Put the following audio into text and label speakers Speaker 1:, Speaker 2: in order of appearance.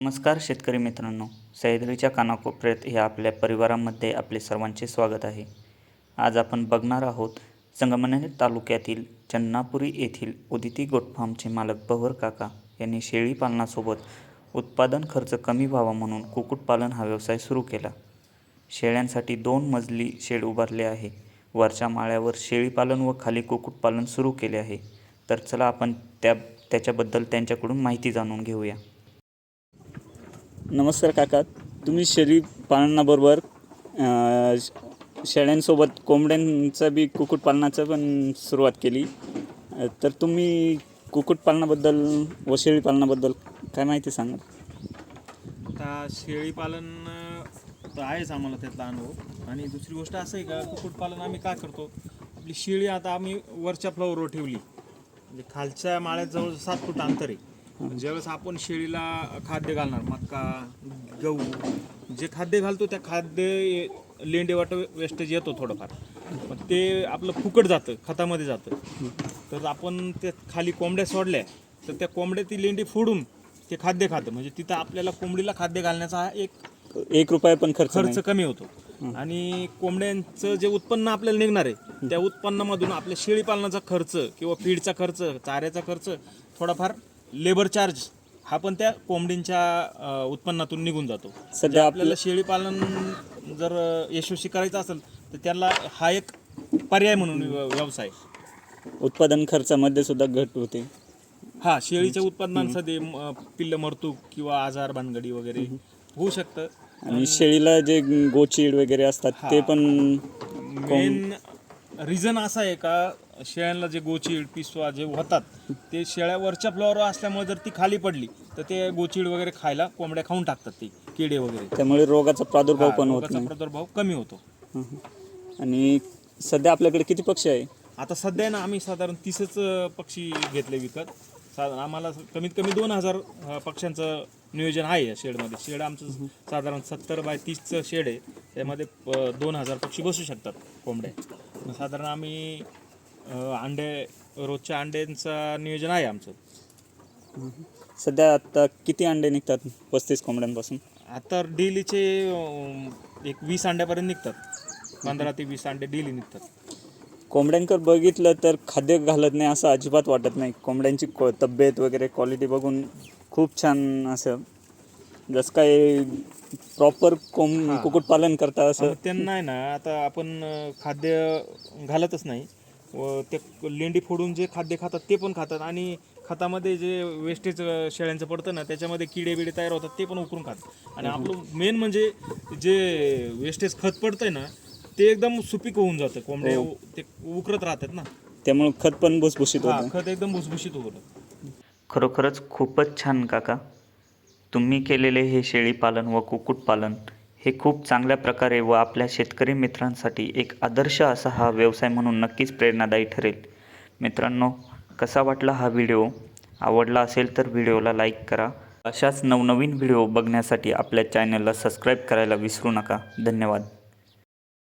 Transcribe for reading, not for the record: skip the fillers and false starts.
Speaker 1: नमस्कार शेतकरी मित्रांनो, सह्याद्रीच्या कानाकोपऱ्यात या आपल्या परिवारामध्ये आपले सर्वांचे स्वागत आहे. आज आपण बघणार आहोत संगमनेर तालुक्यातील चन्नापुरी येथील उदिती गोट फार्मचे मालक पवार काका यांनी शेळी पालनासोबत उत्पादन खर्च कमी व्हावा म्हणून कुक्कुटपालन हा व्यवसाय सुरू केला. शेळ्यांसाठी 2 मजली शेड उभारले आहे. वरच्या माळ्यावर शेळी पालन व खाली कुक्कुटपालन सुरू केले आहे. तर चला आपण त्याच्याबद्दल त्यांच्याकडून माहिती जाणून घेऊया. नमस्कार काका, तुम्ही शेळी पालनाबरोबर शेळ्यांसोबत कोंबड्यांचं बी कुक्कुटपालनाचं पण सुरुवात केली. तर तुम्ही कुक्कुटपालनाबद्दल व शेळी पालनाबद्दल काय माहिती सांगाल?
Speaker 2: आता शेळी पालन तर आहेच आम्हाला त्यातला अनुभव. आणि दुसरी गोष्ट असं आहे का, कुक्कुटपालन आम्ही का करतो, आपली शेळी आता आम्ही वरच्या फ्लोअरवर ठेवली, म्हणजे खालच्या माळ्यात जवळ 7 फूट अंतर आहे. ज्यावेळेस आपण शेळीला खाद्य घालणार, मका, गहू जे खाद्य घालतो त्या खाद्य लेंडेवाट वेस्टेज येतो थोडंफार, पण ते आपलं फुकट जातं, खतामध्ये जातं. तर आपण ते खाली कोंबड्या सोडल्या तर त्या कोंबड्या ती लेंडी फोडून ते खाद्य खातं, म्हणजे तिथं आपल्याला कोंबडीला खाद्य घालण्याचा हा एक
Speaker 1: रुपया पण
Speaker 2: खर्च कमी होतो. आणि कोंबड्यांचं जे उत्पन्न आपल्याला निघणार आहे त्या उत्पन्नामधून आपल्या शेळी पालनाचा खर्च किंवा फीडचा खर्च, चाऱ्याचा खर्च, थोडाफार लेबर चार्ज हा पण त्या कोंबडींच्या उत्पन्नातून निघून जातो. सध्या आपल्याला शेळी पालन जर यशस्वी करायचं असेल तर त्याला हा एक पर्याय म्हणून व्यवसाय.
Speaker 1: उत्पादन खर्चामध्ये सुद्धा घट होते.
Speaker 2: हा, शेळीच्या उत्पादनांमध्ये पिल्ल मरतूक किंवा आजार भानगडी वगैरे होऊ शकतं.
Speaker 1: आणि शेळीला जे गोचीड वगैरे असतात ते पण
Speaker 2: मेन रिझन असा आहे का, शेळ्यांना जे गोचीड पिसवा जे होतात ते शेळ्या वरच्या फ्लोअरवर असल्यामुळे जर ती खाली पडली तर ते गोचीड वगैरे खायला कोंबड्या खाऊन टाकतात, ते किडे वगैरे.
Speaker 1: त्यामुळे रोगाचा प्रादुर्भाव पण होत नाही.
Speaker 2: प्रादुर्भाव कमी होतो.
Speaker 1: आणि सध्या आपल्याकडे किती पक्षी आहे?
Speaker 2: आता सध्या ना आम्ही साधारण 30च पक्षी घेतले विकत. आम्हाला कमीत कमी 2000 पक्ष्यांचं नियोजन आहे या शेडमध्ये. शेड आमचं साधारण 70 बाय 30चं शेड आहे. त्यामध्ये 2000 पक्षी बसू शकतात कोंबड्या. साधारण आम्ही रोजच्या अंड्यांचं नियोजन आहे आमचं.
Speaker 1: सध्या आता किती अंडे निघतात 35 कोंबड्यांपासून?
Speaker 2: आता डेलीचे एक 20 अंड्यापर्यंत निघतात. 15 ते 20 अंडे डेली निघतात.
Speaker 1: कोंबड्यांकडे बघितलं तर खाद्य घालत नाही असं अजिबात वाटत नाही. कोंबड्यांची तब्येत वगैरे क्वालिटी बघून खूप छान, असं जसं काय प्रॉपर कुक्कुटपालन करता असं.
Speaker 2: त्यांना आहे ना, आता आपण खाद्य घालतच नाही व ते लेंडी फोडून जे खाद्य खातात ते पण खातात. आणि खतामध्ये जे वेस्टेज शेळ्यांचं पडतं ना, त्याच्यामध्ये किडे बिडे तयार होतात, ते पण उकरून खातात. आणि आपलं मेन म्हणजे जे वेस्टेज खत पडतंय ना, ते एकदम सुपीक होऊन जातं. कोंबड्या ते उकरत राहतात ना,
Speaker 1: त्यामुळे खत पण भुसभुशीत होतं.
Speaker 2: खत एकदम भुसभुशीत होतं.
Speaker 1: खरोखरच खूपच छान काका, तुम्ही केलेले हे शेळी पालन व कुक्कुटपालन हे खूप चांगल्या प्रकारे व आपल्या शेतकरी मित्रांसाठी एक आदर्श असा हा व्यवसाय म्हणून नक्कीच प्रेरणादायी ठरेल. मित्रांनो, कसा वाटला हा व्हिडिओ? आवडला असेल तर व्हिडिओला लाईक करा. अशाच नवनवीन व्हिडिओ बघण्यासाठी आपल्या चॅनलला सबस्क्राईब करायला विसरू नका. धन्यवाद.